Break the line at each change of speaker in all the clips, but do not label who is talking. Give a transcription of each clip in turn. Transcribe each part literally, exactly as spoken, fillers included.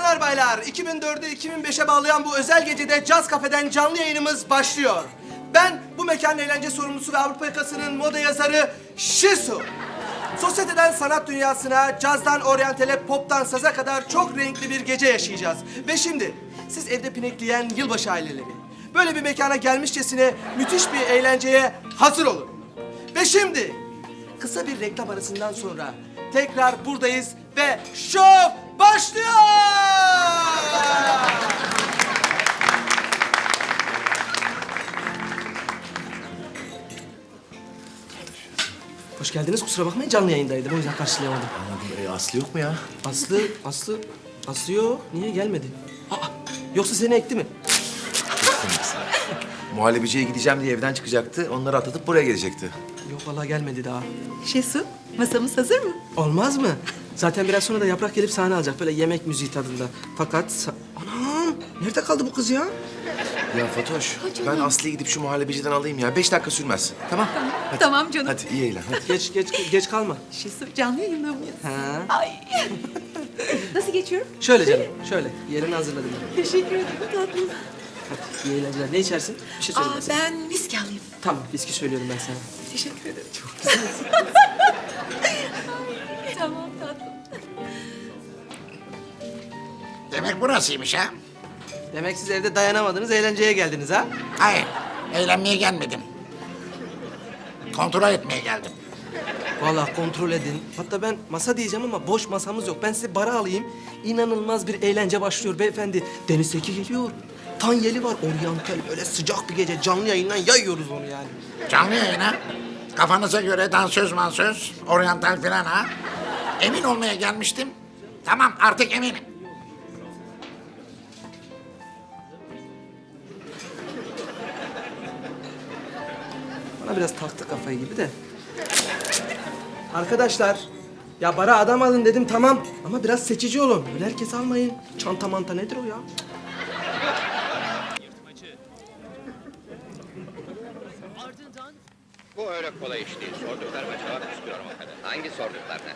Bayanlar baylar, iki bin dördü iki bin beşe bağlayan bu özel gecede Caz Kafe'den canlı yayınımız başlıyor. Ben bu mekanın eğlence sorumlusu ve Avrupa Yakası'nın moda yazarı Şisu. Sosyeteden sanat dünyasına, cazdan oryantale, poptan saza kadar çok renkli bir gece yaşayacağız. Ve şimdi siz evde pinekleyen yılbaşı aileleri, böyle bir mekana gelmişçesine müthiş bir eğlenceye hazır olun. Ve şimdi kısa bir reklam arasından sonra tekrar buradayız ve şov başlıyor! Hoş geldiniz. Kusura bakmayın, canlı yayındaydım. O yüzden karşılayamadım.
Anladım. E, Aslı yok mu ya?
Aslı, Aslı, Aslı yok. Niye gelmedi? Aa, yoksa seni ekti mi?
Muhallebiciye gideceğim diye evden çıkacaktı. Onları atlatıp buraya gelecekti.
Yok vallahi gelmedi daha.
Şesu, masamız hazır mı?
Olmaz mı? Zaten biraz sonra da Yaprak gelip sahne alacak. Böyle yemek müziği tadında. Fakat... sa- Anam! Nerede kaldı bu kız ya?
Ya Fatoş, ben Aslı'yı gidip şu muhallebiciden alayım ya. Beş dakika sürmez. Tamam? Hadi.
Tamam canım.
Hadi iyi eğlen. Hadi.
Geç, geç, geç kalma.
Şesu, canlı yayında mıyız?
Ha.
Ay. Nasıl geçiyorum?
Şöyle canım, şöyle. Yerini hazırladım ben.
Teşekkür ederim tatlım.
İyi eğlenceler. Ne içersin? Bir şey söyle
Aa,
ben sana.
ben viski alayım.
Tamam, viski söylüyorum ben sana.
Teşekkür ederim. Çok güzel. Tamam tatlım.
Demek burasıymış ha?
Demek siz evde dayanamadınız, eğlenceye geldiniz ha?
Hayır, eğlenmeye gelmedim. Kontrol etmeye geldim.
Vallahi kontrol edin. Hatta ben masa diyeceğim ama boş masamız yok. Ben size bara alayım. İnanılmaz bir eğlence başlıyor beyefendi. Deniz Seki geliyor. Tanyeli var, oryantal. Böyle sıcak bir gece canlı yayından yayıyoruz onu yani.
Canlı yayına. Kafanıza göre dansöz mansöz, oryantal falan ha? Emin olmaya gelmiştim. Tamam, artık eminim.
Bana biraz taktı kafayı gibi de. Arkadaşlar, ya bara adam alın dedim tamam. Ama biraz seçici olun. Öyle herkes almayın. Çanta manta nedir o ya?
Bu öyle kolay iş değil. Sorduklarıma cevap istiyorum o kadar. Hangi sorduklarına?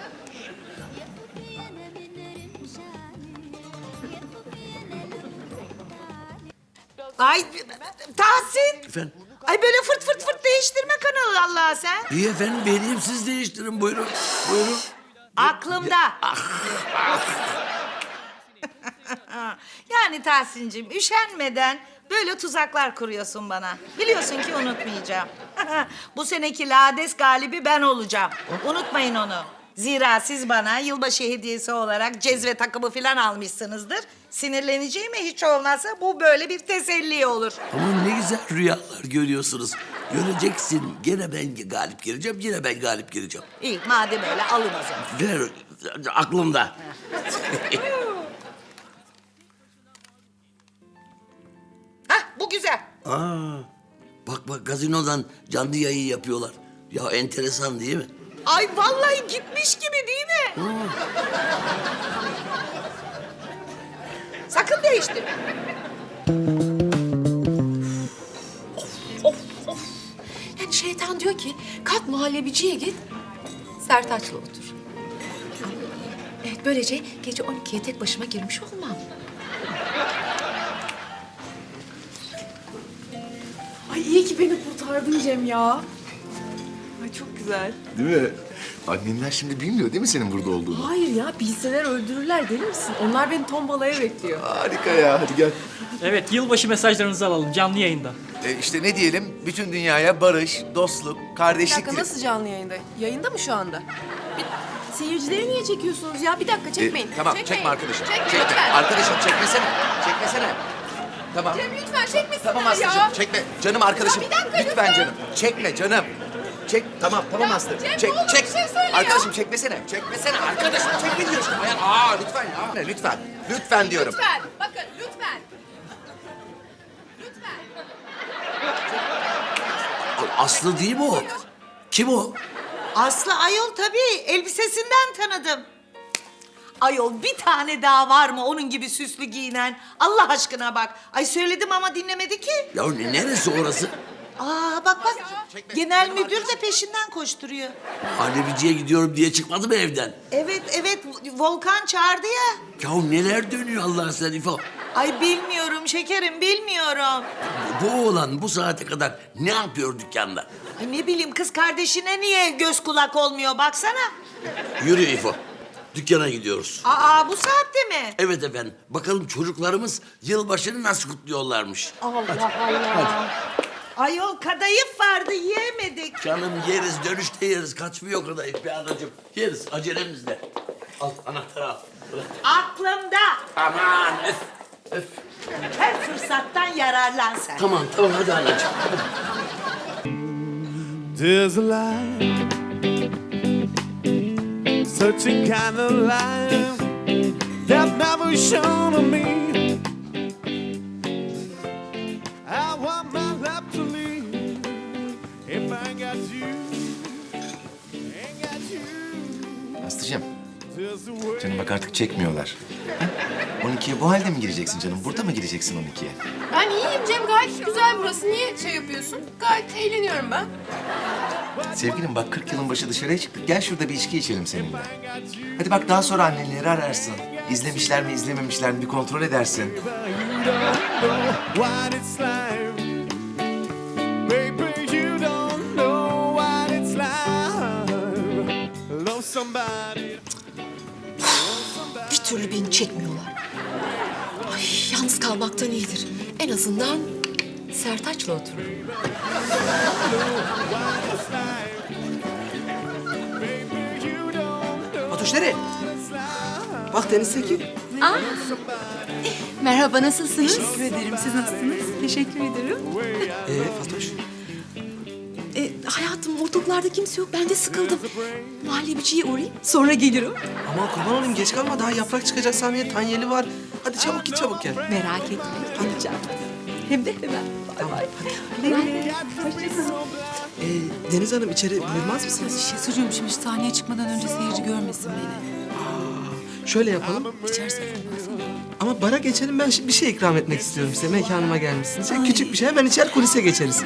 Ay Tahsin.
Efendim?
Ay böyle fırt fırt fırt değiştirme kanalı Allah sen.
İyi efendim, vereyim siz değiştirin. Buyurun, buyurun.
Aklımda. Yani Tahsin'cim üşenmeden böyle tuzaklar kuruyorsun bana. Biliyorsun ki unutmayacağım. Bu seneki Lades galibi ben olacağım. Unutmayın onu. Zira siz bana yılbaşı hediyesi olarak cezve takımı falan almışsınızdır. Sinirleneceğime hiç olmazsa bu böyle bir teselli olur.
Ama ne güzel rüyalar görüyorsunuz. Göreceksin, gene ben galip geleceğim, yine ben galip geleceğim.
İyi madem öyle alın o zaman.
Ver, aklımda.
Hah bu güzel.
Aa, bak bak gazinodan canlı yayın yapıyorlar. Ya enteresan değil mi?
Ay vallahi gitmiş gibi değil mi? Sakın değiştirme.
Of of. Yani şeytan diyor ki kalk muhallebiciye git. Sertaç'la otur. Evet böylece gece on ikiye tek başıma girmiş olmam.
Ay iyi ki beni kurtardın Cem ya. Ay çok güzel.
Değil mi? Annenler şimdi bilmiyor değil mi senin burada olduğunu?
Hayır ya bilseler öldürürler deli misin? Onlar beni tombalaya bekliyor.
Harika ya, hadi gel.
Evet, yılbaşı mesajlarınızı alalım canlı yayında.
E, işte ne diyelim? Bütün dünyaya barış, dostluk,
Bir
kardeşlik...
dakika
dile-
nasıl canlı yayında? Yayında mı şu anda? Bir, seyircileri niye çekiyorsunuz ya? Bir dakika
E,
çekmeyin.
tamam,
Çekmeyin.
çekme arkadaşım.
Çekmeyin
Çekme.
lütfen.
Arkadaşım çekmesene. Çekmesene. Tamam.
Cem lütfen çekmesinler
Tamam
ya.
Aslı'cığım, çekme. Canım arkadaşım.
Ya bir dakika,
lütfen,
lütfen.
canım. Çekme canım. Çek, tamam, tamam
Ya
Aslı.
Cem,
çek,
ne olur
çek.
bir şey söyle ya.
Arkadaşım çekmesene. Çekmesene arkadaşım. Çekme diyorsun. Hayır, aa lütfen ya. Lütfen. Lütfen diyorum.
Lütfen. Bakın lütfen. Lütfen.
Aslı değil mi o? Kim o?
Aslı ayol tabii elbisesinden tanıdım. Ayol bir tane daha var mı onun gibi süslü giyinen? Allah aşkına bak. Ay söyledim ama dinlemedi ki.
Ya ne- neresi orası?
Aa bak bak. Genel müdür de peşinden koşturuyor.
Muhallebiciye gidiyorum diye çıkmadı mı evden?
Evet evet Volkan çağırdı ya.
Ya neler dönüyor Allah sen İfo?
Ay bilmiyorum şekerim bilmiyorum.
Bu oğlan bu saate kadar ne yapıyor dükkanda?
Ay ne bileyim kız kardeşine niye göz kulak olmuyor baksana.
Yürü İfo. Dükkana gidiyoruz.
Aa bu saatte mi?
Evet efendim. Bakalım çocuklarımız yılbaşını nasıl kutluyorlarmış.
Allah Allah. Ayol kadayıf vardı yiyemedik.
Canım yeriz, dönüşte yeriz. Kaçmıyor kadayıf be anacığım. Yeriz, acelemizle. Al, anahtarı al. Bırak.
Aklımda.
Aman öf, öf.
Her fırsattan yararlan sen.
Tamam, tamam hadi anacığım.
There's a light, such a kind of light that never shone on me. I want my love to leave if I got you, ain't got you.
Aslıcığım,
There's a way.
canım bak artık çekmiyorlar. on ikiye bu halde mi gireceksin canım? Burada mı gireceksin on ikiye?
Ben iyiyim Cem, gayet güzel burası. Niye şey yapıyorsun? Gayet eğleniyorum ben.
Sevgilim bak kırk yılın başı dışarıya çıktık. Gel şurada bir içki içelim seninle. Hadi bak daha sonra annenleri ararsın. İzlemişler mi izlememişler mi bir kontrol edersin.
You don't know what it's like, baby. You don't know what it's like. Love somebody.
Bir türlü beni çekmiyorlar. Ay yalnız kalmaktan iyidir. En azından Sertaç'la otururum.
Fatoş nereye? Bak Deniz Tekin.
Merhaba, nasılsınız? Teşekkür ederim. Siz nasılsınız? Teşekkür ederim.
Ee Fatoş?
E, hayatım ortalıklarda kimse yok. Ben de sıkıldım. Muhallebiciye uğrayayım. Sonra gelirim.
Aman kurban olayım geç kalma. Daha yaprak çıkacak Samiye. Tanyeli var. Hadi çabuk git çabuk gel.
Merak etme. Geleceğim. Hem de hemen. Bay bay.
Ee, Deniz Hanım içeri buyurmaz mısınız?
Şesucuğum, şimdi sahneye çıkmadan önce seyirci görmesin beni.
Şöyle yapalım.
İçerisi fırlansın.
Ama bara geçelim. Ben şimdi bir şey ikram etmek istiyorum size. Mekanıma gelmişsiniz. Şey, küçük bir şey. Hemen içer kulise geçeriz.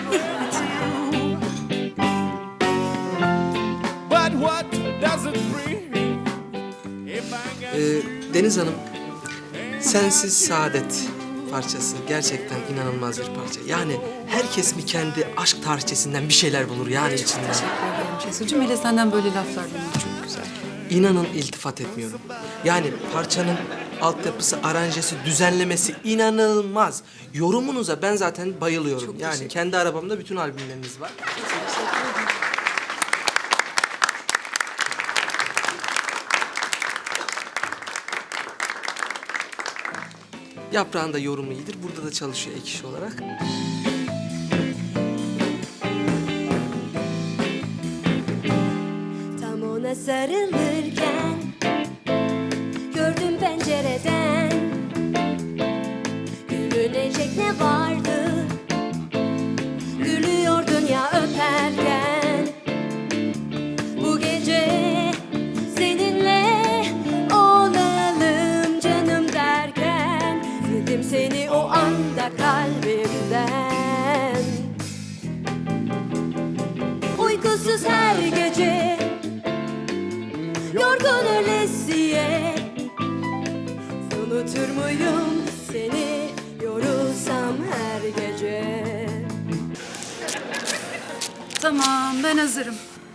But what does it bring if I got
Ee, Deniz Hanım, Sensiz Saadet parçası gerçekten inanılmaz bir parça. Yani herkes mi kendi aşk tarihçesinden bir şeyler bulur yani içinde.
Şesucuğum, hele senden böyle laflar duymak çok güzel.
İnanın iltifat etmiyorum. Yani parçanın altyapısı, aranjesi, düzenlemesi inanılmaz. Yorumunuza ben zaten bayılıyorum. Yani kendi arabamda bütün albümleriniz var. Yaprağın da yorumu iyidir. Burada da çalışıyor ek iş olarak.
Tam ona sarılırken gördüm pencereden, gülünecek ne vardı, gülüyordun ya öperken. Bu gece seninle olalım canım derken, sildim seni o anda kalbimden. Uykusuz her gece, yorgun ölesiye, unutur muyum seni yorulsam her gece?
Tamam, ben hazırım.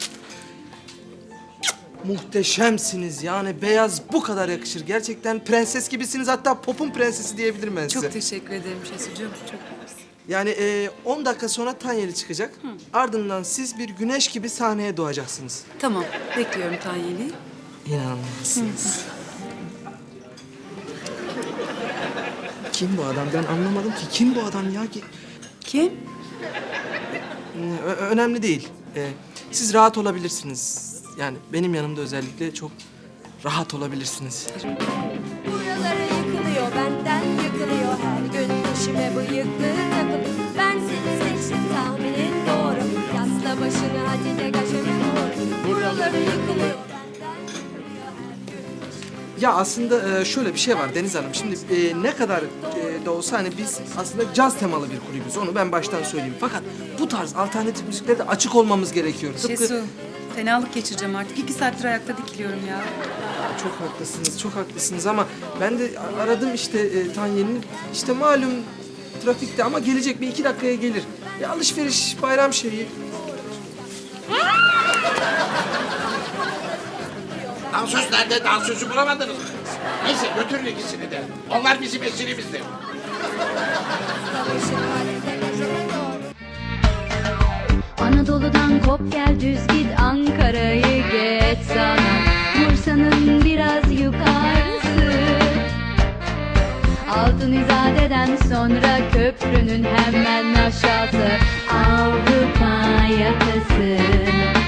Muhteşemsiniz yani beyaz bu kadar yakışır. Gerçekten prenses gibisiniz, hatta popun prensesi diyebilirim ben size.
Çok teşekkür ederim Şesucuğum. Çok mersi.
Yani e, on dakika sonra Tanyeli çıkacak. Ardından siz bir güneş gibi sahneye doğacaksınız.
Tamam, bekliyorum Tanyeli.
İnanılmazsınız. Kim bu adam? Ben anlamadım ki. Kim bu adam ya? Ki-
Kim?
Ö- önemli değil. E, siz rahat olabilirsiniz. Yani benim yanımda özellikle çok rahat olabilirsiniz.
Buraları yıkılıyor, benden yıkılıyor her gün peşime bıyıklı takıp. Ben seni seçtim, tahminin doğru. Yasla başını hadi de kaçırma doğru. Buraları yıkılıyor, benden yıkılıyor her gün.
Ya aslında e, şöyle bir şey var Deniz Hanım. Şimdi e, ne kadar e, da olsa hani biz aslında caz temalı bir kulübüz. Onu ben baştan söyleyeyim. Fakat bu tarz alternatif müziklere de açık olmamız gerekiyor. Tıpkı...
Şesu, fenalık geçireceğim artık. İki saattir ayakta dikiliyorum ya.
Çok haklısınız, çok haklısınız ama ben de aradım işte e, Tanyen'i. İşte malum trafikte ama gelecek bir iki dakikaya gelir. Ya alışveriş, bayram şeyi.
Dansöz nerede? Dansözü bulamadınız mı? Neyse götürün ikisini de. Onlar bizim esirimizdir.
Anadolu'dan kop gel düz git Ankara'yı geç sana Bursa'nın biraz yukarısı Altın İzade'den sonra köprünün hemen aşağısı Avrupa yakası